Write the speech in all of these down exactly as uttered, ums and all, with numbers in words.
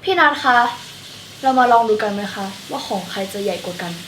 พี่นัทคะ เรามาลองดูกันไหมคะว่าของใครจะใหญ่กว่ากัน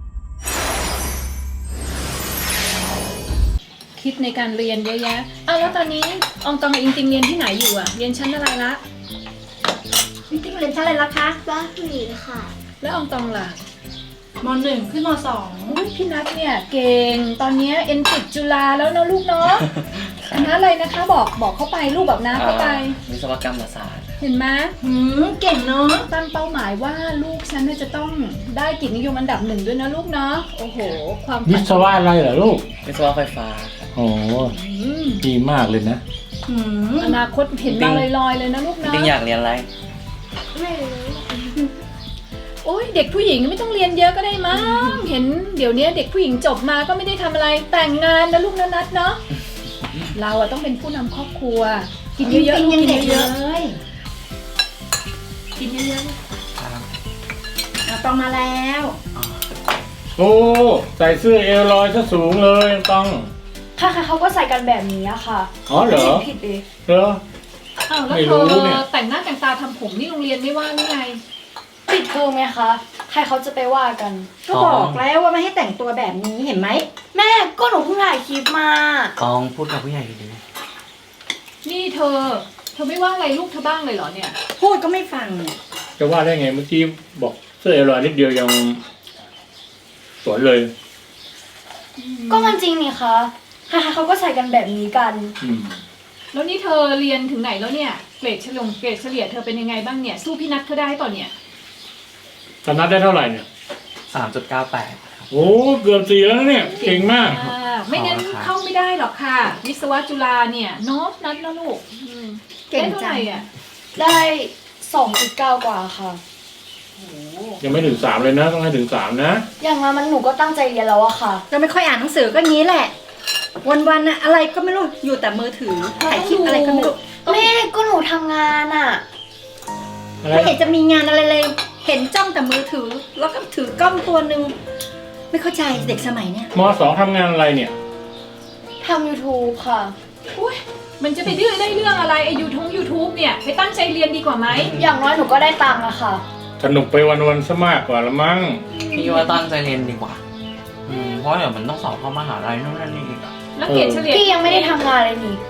คิดในการเรียนเยอะแยะอ้าวแล้วตอนนี้อองตองกับอิงติงเรียนที่ไหนอยู่อะเรียนชั้นอะไรละอิงติงเรียนชั้นอะไรละคะบ้าผู้หญิงค่ะแล้วอองตองล่ะมหนึ่งขึ้นมสองพี่นัทเนี่ยเก่งตอนนี้เอ็นติดจุฬาแล้วนะลูกเนาะคณะอะไรนะคะบอกบอกเข้าไปลูกแบบน้าเข้าไปวิศวกรรมศาสตร์เห็นไหมหืมเก่งเนาะตั้งเป้าหมายว่าลูกฉันจะต้องได้เกียรตินิยมอันดับหนึ่งด้วยนะลูกเนาะโอ้โหความวิศวะอะไรเหรอลูกวิศวะไฟฟ้าโอ้ดีมากเลยนะอนาคตเห็นมาลอยๆเลยนะลูกเนาะจริงอยากเรียนอะไรไม่รู้โอ้ยเด็กผู้หญิงไม่ต้องเรียนเยอะก็ได้มั้งเห็นเดี๋ยวนี้เด็กผู้หญิงจบมาก็ไม่ได้ทำอะไรแต่งงานนะลูกนะนัทเนาะเราอะต้องเป็นผู้นำครอบครัวกินเยอะๆกินเยอะๆกินเยอะๆต้องมาแล้วโอ้ใส่เสื้อเอวลอยซะสูงเลยต้องค่ะค่ะเขาก็ใส่กันแบบนี้อะค่ะอ๋อเหรอผิดเองเหรออ้าวแล้วเธอแต่งหน้าแต่งตาทำผมนี่โรงเรียนไม่ว่าหรือไงปิดเทอมไหมคะใครเขาจะไปว่ากันก็บอกแล้วว่าไม่ให้แต่งตัวแบบนี้เห็นไหมแม่ก็หนูเพิ่งถ่ายคลิปมาตองพูดกับผู้ใหญ่ดีนี่เธอเธอไม่ว่าอะไรลูกเธอบ้างเลยเหรอเนี่ยพูดก็ไม่ฟังจะว่าได้ไงเมื่อกี้บอกเสื้อเอวลอยนิดเดียวยังสวยเลยก็มันจริงนี่คะใครๆเขาก็ใส่กันแบบนี้กันแล้วนี่เธอเรียนถึงไหนแล้วเนี่ยเกรดเฉลี่ยเกรดเฉลี่ยเธอเป็นยังไงบ้างเนี่ยสู้พี่นัทเขาได้ต่อเนี่ยตอนนัทได้เท่าไหร่เนี่ยสามจุดเก้าแปดโอ้เกือบสี่แล้วเนี่ยเก่งมากไม่งั้นเข้าไม่ได้หรอกค่ะวิศวะจุฬาเนี่ยเนาะนัทนะลูกเก่งจังอ่ะได้สองจุดเก้ากว่าค่ะยังไม่ถึงสามเลยนะต้องให้ถึงสามนะอย่างนั้นมันหนูก็ตั้งใจเรียนแล้วอะค่ะก็ไม่ค่อยอ่านหนังสือก็งี้แหละวันๆนะอะไรก็ไม่รู้อยู่แต่มือถือถ่ายคลิปอะไรก็ไม่รู้แม่ก็หนูทำงานอะไม่เห็นจะมีงานอะไรเลยเห็นจ้องแต่มือถือแล้วก็ถือกล้องตัวหนึ่งไม่เข้าใจเด็กสมัยเนี้ยมสองทำงานอะไรเนี่ยทำ ยูทูบ ค่ะอุ้ยมันจะไปดื้อได้เรื่องอะไรไอยูทงยูทูบเนี่ยไปตั้งใจเรียนดีกว่าไหมอย่างน้อยหนูก็ได้ตังค์อะค่ะสนุกไปวันๆซะมากกว่าละมั้งพี่ว่าตั้งใจเรียนดีกว่าอืมเพราะเดี๋ยวมันต้องสอบเข้ามหาลัยนู่นนั่นนี่อีกอะแล้วเกรดเฉลี่ยพี่ยังไม่ได้ทำงานเลยนี่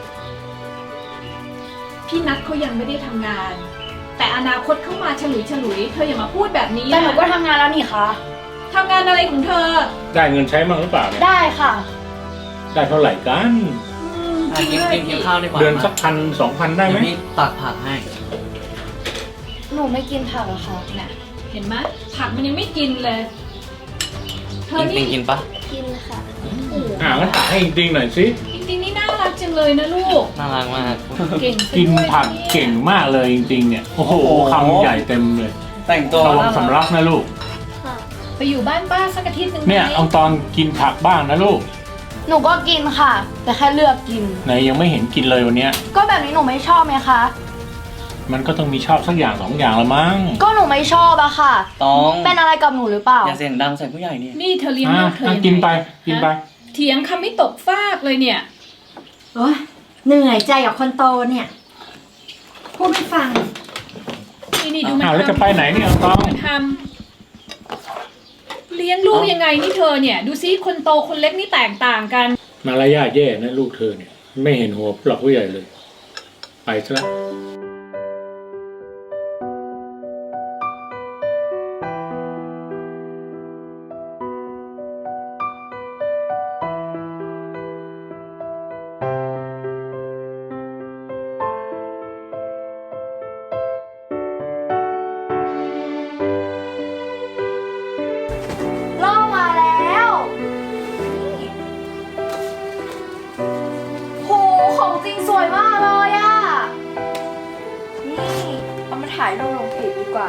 พี่นัทเขายังไม่ได้ทำงานแต่อนาคตเข้ามาฉลุยฉลุยเธออย่ามาพูดแบบนี้แต่หนูก็ทำงานแล้วนี่คะทำงานอะไรของเธอได้เงินใช้มั้งหรือเปล่าเนี่ยได้ค่ะได้เท่าไหร่กันกินกินกินข้าวดีกว่าเดือนสักพันสองพันได้ไหมพี่ตักผักให้หนูไม่กินผักอะค่ะน่ะเห็นไหมผักมันยังไม่กินเลยเธอนี่กินปะกินค่ะอ่างั้นตักให้จริงๆหน่อยสิจริงๆนี่น่ารักจังเลยนะลูกน่ารักมากเก่งกินผักเก่งมากเลยจริงๆเนี่ยโอ้โหคำใหญ่เต็มเลยแต่งตัวระวังสำลักนะลูกไปอยู่บ้านป้าสักอาทิตย์นึงเนี่ยเอาตอนกินผักบ้างนะลูกหนูก็กินค่ะแต่แค่เลือกกินไหนยังไม่เห็นกินเลยวันนี้ก็แบบนี้หนูไม่ชอบไหมคะมันก็ต้องมีชอบสักอย่างสองอย่างละมั้งก็หนูไม่ชอบอะค่ะต้องเป็นอะไรกับหนูหรือเปล่าอย่าเสียงดังใส่ผู้ใหญ่เนี่ยนี่เธอเลี้ยงลูกเธอกินไปกินไปเถียงคำไม่ตกฟากเลยเนี่ยโอ๊ยเหนื่อยใจกับคนโตเนี่ยพูดไม่ฟังนี่นี่ดูมันทำแล้วจะไปไหนเนี่ยต้องทำเลี้ยงลูกยังไงนี่เธอเนี่ยดูซิคนโตคนเล็กนี่แตกต่างกันมารยาทแย่นะลูกเธอเนี่ยไม่เห็นหัวหลอกผู้ใหญ่เลยไปซะถ่ายรูปลงเพจดีกว่า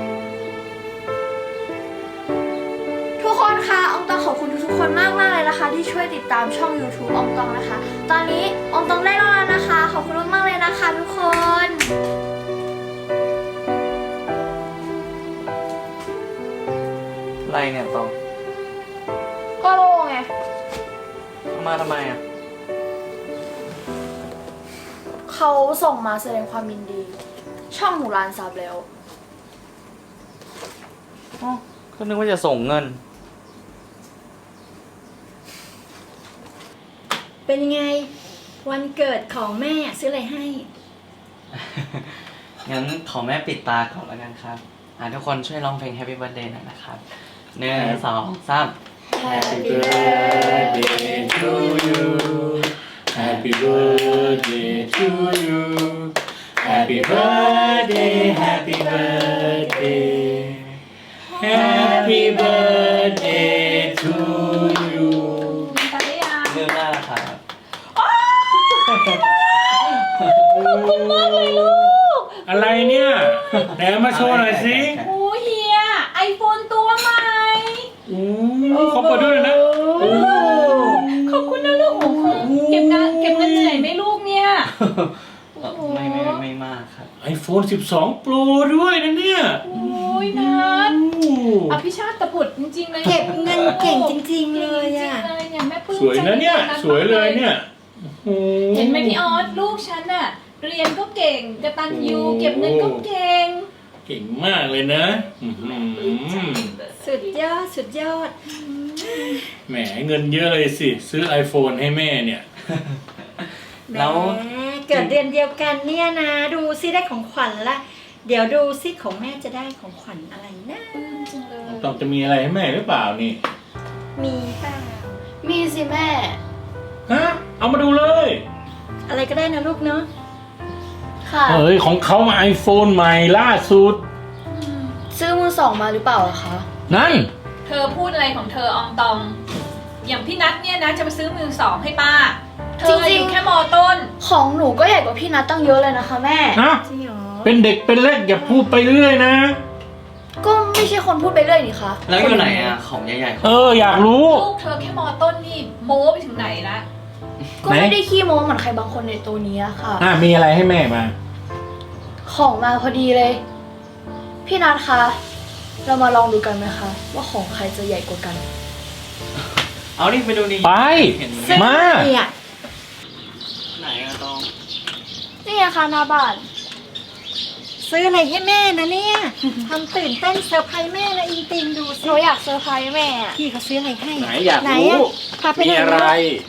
ทุกคนคะอองตองขอบคุณทุกคนมากมากเลยนะคะที่ช่วยติดตามช่อง ยูทูบ อองตองนะคะตอนนี้อองตองได้รอแล้วนะคะขอบคุณมากเลยนะคะทุกคนอะไรเนี่ยตองก็โลไงมาทำไมอ่ะเขาส่งมาแสดงความยินดีช่องหนูร้านซับแล้วอ๋อก็นึกว่าจะส่งเงินเป็นยังไง วันเกิดของแม่ซื้ออะไรให้งั้นขอแม่ปิดตาก่อนแล้วกันครับ อ่าทุกคนช่วยร้องเพลง Happy Birthday หน่อยนะครับหนึ่งสองสาม Happy birthday to you Happy birthday to you Happy birthday Happy birthday Happy birthday to you ไปได้ยังเรื่องหน้าครับอะไรเนี่ยไหนเอามาโชว์หน่อยสิโอ้เฮียไอโฟนตัวใหม่อู้เขาเปิดด้วยนะโอ้ขอบคุณนะลูกโอ้โหเก็บงานเก็บเงินเหนื่อยไหมลูกเนี่ยไม่ไม่ไม่มากครับไอโฟนสิบสอง Pro ด้วยนะเนี่ยโอ้ยนัดโอ้อภิชาติตะบุตรจริงๆเลยเก็บเงินเก่งจริงๆเลยอ่ะจริงๆเลยเนี่ยแม่ปลื้มสวยนะเนี่ยใจสวยเลยเนี่ยโอ้เห็นไหมพี่ออสลูกฉันอะเรียนก็เก่งกตัญญูเก็บเงินก็เก่งเก่งมากเลยนะอื้อหือสุดยอดสุดยอดแหมเงินเยอะเลยสิ ซื้อ iPhone ให้แม่เนี่ยแล้วแหมเกิดเดือนเดียวกันเนี่ยนะ ดูซิได้ของขวัญละ เดี๋ยวดูซิของแม่จะได้ของขวัญอะไรนะต้องจะมีอะไรให้แม่หรือเปล่านี่มีเปล่ามีสิแม่ฮะ เอามาดูเลยอะไรก็ได้นะลูกเนาะค่ะเฮ้ย ของเขามา iPhone ใหม่ล่าสุดซื้อมือสองมาหรือเปล่าอะคะนั่นเธอพูดอะไรของเธออองตอง อย่างพี่นัทเนี่ยนะจะมาซื้อมือสองให้ป้า เธออยู่แค่มอต้นของหนูก็ใหญ่กว่าพี่นัทตั้งเยอะเลยนะคะแม่ฮะจริงเหรอเป็นเด็กเป็นเล็กอย่าพูดไปเรื่อยนะก็ไม่ใช่คนพูดไปเรื่อยนี่คะแล้วอยู่ไหนอ่ะ ของใหญ่ๆของเออ อยากรู้ลูกเธอแค่มอต้นนี่โม้ไปถึงไหนละก็ไม่ได้ขี้โม้เหมือนใครบางคนในตัวนี้อะค่ะอ่ะ มีอะไรให้แม่มาของมาพอดีเลย พี่นัทคะ เรามาลองดูกันไหมคะ ว่าของใครจะใหญ่กว่ากันเอานี่ไปดูดิไปเห็นไหมมาเนี่ยไหนอะตองนี่ไงคะหน้าบ้านซื้ออะไรให้แม่นะเนี่ยทำตื่นเต้นเซอร์ไพรส์แม่นะอิงติงดูหสินูอยากเซอร์ไพรส์แม่อะพี่เขาซื้ออะไรให้ไหนอยากไหนรู้อะพาไปมีไหนอะไร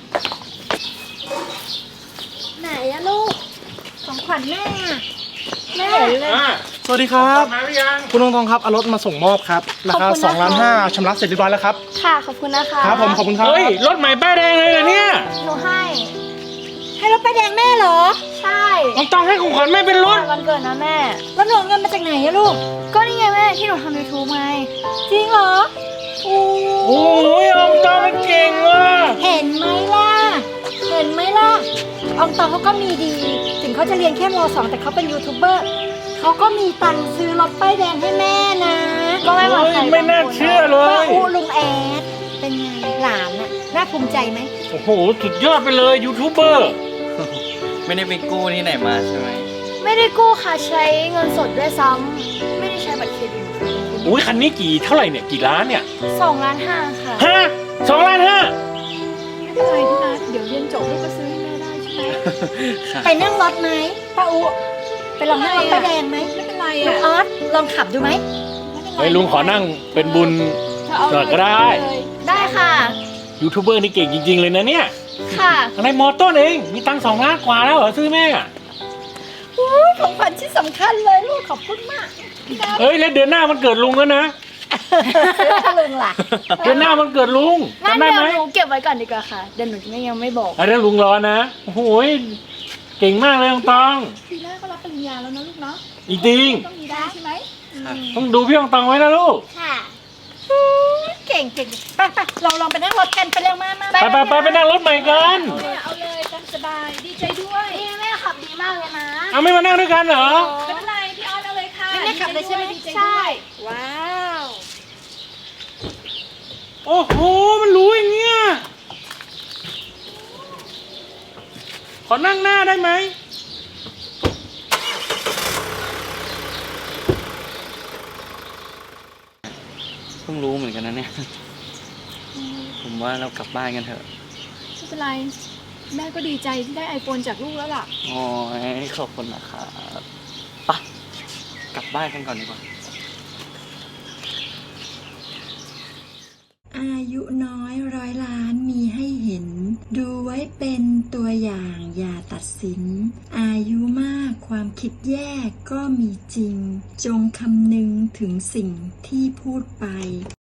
ไหนอะลูก ของขวัญแม่อะแม่อ่ะสวัสดีครับมาหรือยังคุณทองทองครับเอารถมาส่งมอบครับราคาสองล้านห้าชำระเสร็จเรียบร้อยแล้วครับค่ะ ขอบคุณนะคะครับผมขอบคุณครับเฮ้ย รถใหม่ป้ายแดงเลยเหรอเนี่ยหนูให้ให้รถไปแดงแม่เหรอใช่ต้องต้องให้ของขวัญแม่เป็นรถวันเกิดนะแม่แล้วหนูเอาเงินมาจากไหนอะลูกก็นี่ไงแม่ที่หนูทำยูทูบไงจริงเหรอโอ้โอ้ยอมตองมันเก่งว่ะเห็นไหมล่ะ เห็นไหมล่ะอองตองเขาก็มีดี ถึงเขาจะเรียนแค่มสองแต่เขาเป็นยูทูบเบอร์เขาก็มีตังค์ซื้อรถป้ายแดงให้แม่นะก็ไม่เหมือนใครโอ้ยไม่น่าเชื่อเลป้าย อูลุงแอดเป็นไงหลานน่ะน่าภูมิใจไหมโอ้โห สุดยอดไปเลยยูทูบเบอร์ไม่ได้ไปกู้ที่ไหนมาใช่ไหมไม่ได้กู้ค่ะใช้เงินสดด้วยซ้ำไม่ได้ใช้บัตรเครดิตค่ะอุ้ยคันนี้กี่เท่าไหร่เนี่ย กี่ล้านเนี่ยสองล้านห้าค่ะฮะสองล้านห้าไม่เป็นไรพี่นัทเดี๋ยวเรียนจบลูกก็ซื้อให้แม่ได้ใช่ไหมไปนั่งรถไหมป้าอูไปลองนั่งรถป้ายแดงไหมไม่เป็นไรลูกอะออสลองขับดูไหมเฮ้ยลุงขอนั่งเป็นบุญเธอเอาหน่อยก็ได้เลยได้ค่ะยูทูบเบอร์นี่เก่งจริง ๆ เลยนะเนี่ยค่ะอะไรมอต้นเอง มีตังค์สองล้านกว่าแล้วเหรอซื้อแม่อะอุ๊ยของขวัญที่สำคัญเลยลูกขอบคุณมากเฮ้ย แล้วเดือนหน้ามันเกิดลุงแล้วนะซื้อให้ลุงล่ะเดือนหน้ามันเกิดลุงงั้นจำได้เดี๋ยไหมวหนูเก็บไว้ก่อนดีกว่าค่ะ เดี๋ยวหนูไม่ยังไม่บอกอันนี้ลุงรอนะ โอ้โหยเก่งมากเลยน้องตองปีหน้าก็รับปริญญาแล้วนะลูกเนาะจริงต้องมีได้ใช่ไหมๆต้องดูพี่น้องตองไว้นะลูกค่ะเก่งเก่งไปไปเราลองไปนั่งรถกันไปเร็วมามาไปไปไปไปนั่งรถใหม่กันเอาเลยเอาเลยตามสบายดีใจด้วยนี่แม่ขับดีมากเลยนะเอาไม่มานั่งด้วยกันเหรอไม่เป็นไรพี่ออสเอาเลยค่ะไม่ได้ขับเลยใช่ไหมดีใจด้วยใช่ว้าวโอ้โห มันรู้อย่างเงี้ย ขอนั่งหน้าได้ไหมเพิ่งรู้เหมือนกันนะเนี่ย ผมว่าเรากลับบ้านกันเถอะไม่เป็นไรแม่ก็ดีใจที่ได้ไอโฟนจากลูกแล้วล่ะโอ้ยขอบคุณนะครับไปะกลับบ้านกันก่อนดีกว่ายุน้อยร้อยล้านมีให้เห็น ดูไว้เป็นตัวอย่างอย่าตัดสิน อายุมากความคิดแย่ก็มีจริง จงคำนึงถึงสิ่งที่พูดไป